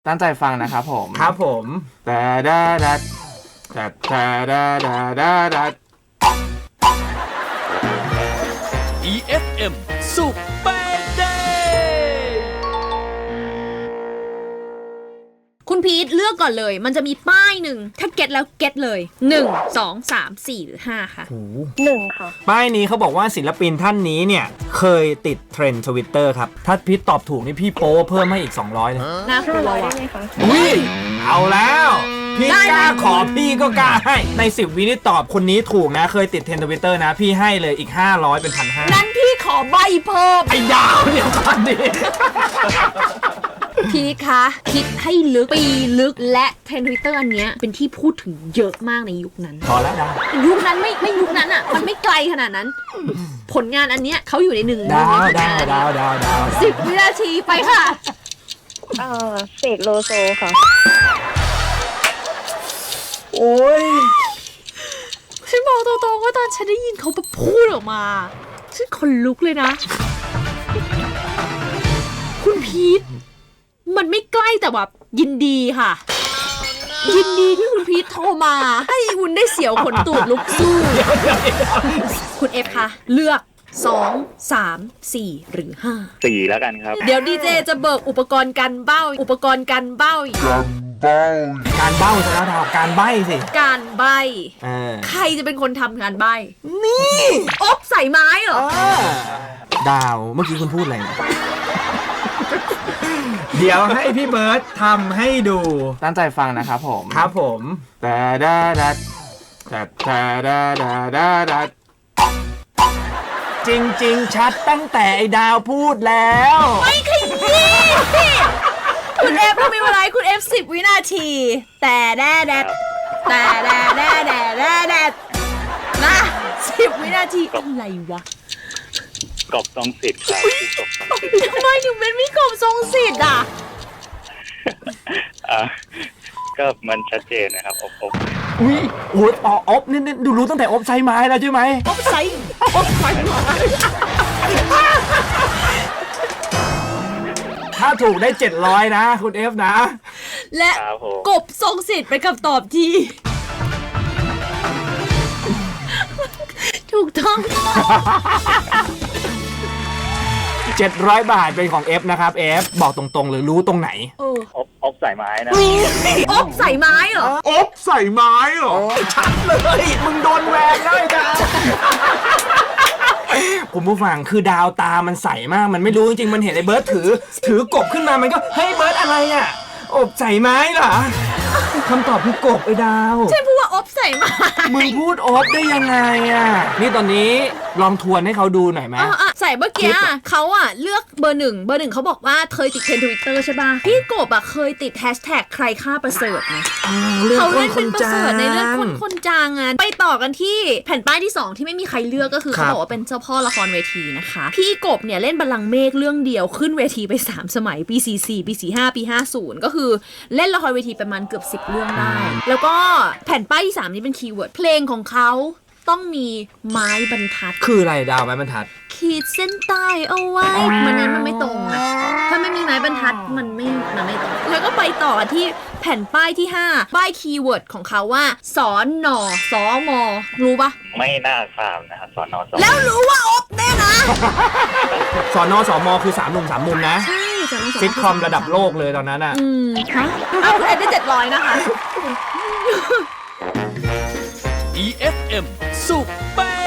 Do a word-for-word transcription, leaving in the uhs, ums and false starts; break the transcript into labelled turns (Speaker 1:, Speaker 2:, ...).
Speaker 1: ตั้งใจฟังนะครับผม
Speaker 2: ครับผม
Speaker 1: แต่ดาดัดแต่แต่ดาดาดาดัด
Speaker 3: อี เอฟ เอ็ม Super Day
Speaker 4: คุณพีทเลือกก่อนเลยมันจะมีป้ายหนึ่งถ้าเก็ตแล้วเก็ตเลยหนึ่ง สอง สาม สี่หรือห้าค่ะ
Speaker 5: หนึ่งค่ะ
Speaker 2: ป้ายนี้เขาบอกว่าศิลปินท่านนี้เนี่ยเคยติดเทรนด์ทวิตเตอร์ครับถ้าพีทตอบถูกนี่พี่โป้เพิ่มให้อีกสองร้อยเลย
Speaker 4: น่ากลัว
Speaker 5: ได้
Speaker 4: ว่ะ
Speaker 5: ไหมคะ
Speaker 2: อุ้ยเอาแล้วพี่กล้าขอพี่ก็กล้าให้ในสิบวินี่ตอบคนนี้ถูกนะเคยติดเทรนด์ทวิตเตอร์นะพี่ให้เลยอีกห้าร้อยเป็นพันห้า
Speaker 4: นั้นพี่ขอใบเพิ่ม
Speaker 2: ไอ้ดาวเดี๋ยวก่อนดิ
Speaker 4: พีทคะคิดให้ลึกปีลึกและเทรนด์ทวิตเตอร์อันเนี้ยเป็นที่พูดถึงเยอะมากในยุคนั้น
Speaker 2: พอแล้วดาว
Speaker 4: ยุคนั้นไม่ไม่ยุคนั้นอ่ะมันไม่ไกลขนาดนั้นผลงานอันเนี้ยเขาอยู่ในหนึ่ง
Speaker 2: ดาวดาวดาวดาวดาว
Speaker 4: สิบวินาทีไปค่ะ
Speaker 5: เออเสกโลโซค่ะ
Speaker 2: โอ้ย
Speaker 4: ฉันบอกตรงๆว่าตอนฉันได้ยินเขาพูดออกมาฉันขนลุกเลยนะคุณพีทมันไม่ใกล้แต่แบบยินดีค่ะยินดีที่คุณพีทโทรมาให้วุ้นได้เสียวขนตูดลุกสู้คุณเอฟคะเลือกสอง สาม สี่หรือห้า
Speaker 6: สี่แล้วกันครับ
Speaker 4: เดี๋ยวดีเจจะเบิกอุปกรณ์กันเบ้าอุปกรณ์กันเบ้า
Speaker 2: การเบ้าซะแล้วดาวการใบ้สิ
Speaker 4: การใบ้ใครจะเป็นคนทำงานใบ้นี่อบใส่ไม้เหรอ
Speaker 2: ดาวเมื่อกี้คุณพูดอะไรนะเดี๋ยวให้พี่เบิร์ตทำให้ดู
Speaker 1: ตั้งใจฟังนะครับผม
Speaker 2: ครับผม
Speaker 1: แต่ดาดัดแต่แต่ดาดาดาดัด
Speaker 2: จริงๆชัดตั้งแต่ไอ้ดาวพูดแล้ว
Speaker 4: ไม่ขยี้คุณเอฟทำไมเวลาคุณเอฟสิบวินาทีแต่แด่แดดแต่แด่แด่แด่แด่แดดนะสิบวินาทีอะไรวะ
Speaker 6: กบทรงสิทธิ์ครับ
Speaker 4: ทำไมถึงเป็นพี่กบทรงสิทธิ์อ่ะ
Speaker 6: อ่ะก็มันชัดเจนนะครับอบอบ
Speaker 2: อุ้ยโอ้ยอ๋ออบนี่ดูรู้ตั้งแต่อบใช้ไม้แล้วใช่ไหม
Speaker 4: อบใช้อบใช้ไม้
Speaker 2: ถ้าถูกได้เจ็ดร้อยนะคุณเอฟนะ
Speaker 4: และกบทรงสิทธิ์เป็นคำตอบที่ถูกต้อง
Speaker 2: เจ็ดร้อยบาทเป็นของ F นะครับ F บอกตรงๆหรือรู้ตรงไหน
Speaker 6: อบอบใส่ไม้นะ
Speaker 4: อบใส่ไม้เหรอ
Speaker 2: อบใส่ไม้เหรอชัดเลยมึงโดนแหวกเลยดาวผมผู้ฟังคือดาวตามันใสมากมันไม่รู้จริงๆมันเห็นไอ้เบิร์ดถือถือกบขึ้นมามันก็เฮ้ยเบิร์ดอะไรอ่ะอบใส่ไม้เหรอคำตอบคือกบไอ้ดาว
Speaker 4: ใช่พูดว่าอบใส่ไม้
Speaker 2: มึงพูดอบได้ยังไงอ่ะนี่ตอนนี้ลองทวนให้เขาดูหน่อยไหม
Speaker 4: ใส่เมื่อกี้เขาอ่ะเลือกเบอร์หนึ่งเบอร์หนึ่งเขาบอกว่าเคยติดเทรนด์ทวิตเตอร์ใช่ป่ะพี่กบอ่ะเคยติดแฮชแท็กใครฆ่าประเสริฐไงเขาเล่นเป็นประเสริฐในเรื่องคนคนจางอ่ะไปต่อกันที่แผ่นป้ายที่สองที่ไม่มีใครเลือกก็คือเขาบอกว่าเป็นเจ้าพ่อละครเวทีนะคะพี่กบเนี่ยเล่นบัลลังก์เมฆเรื่องเดียวขึ้นเวทีไปสามสมัยปีสี่สี่ปีสี่ห้าปีห้าสิบก็คือเล่นละครเวทีประมาณเกือบสิบเรื่องได้แล้วก็แผ่นป้ายที่สามนี้เป็นคีย์เวิร์ดเพลงของเขาต้องมีไม้บรรทัด
Speaker 2: คืออะไรดาวไม้บรรทัด
Speaker 4: ขีดเส้นใต้เอาไว้มันนั้นมันไม่ตรงนะถ้าไม่มีไม้บรรทัดมันไม่มันไม่ตรงแล้วก็ไปต่อที่แผ่นป้ายที่ห้าป้ายคีย์เวิร์ดของเขาว่าสอนนอสอมอรู้ปะ
Speaker 6: ไม่น่าทราบนะครับสอนนอสอ
Speaker 4: แล้วรู้ว่าอบแน่นะ
Speaker 2: สอนนอสอมอคือสามหนุ่มสามมุมนะ
Speaker 4: ใช่สอนนอสอม
Speaker 2: ซิทคอมระดับโลกเลยตอนนั้นอ่ะ
Speaker 4: อืมฮะเอาคุณเอ็ดได้เจ็ดร้อยนะคะ
Speaker 3: อี เอฟ เอ็ม Super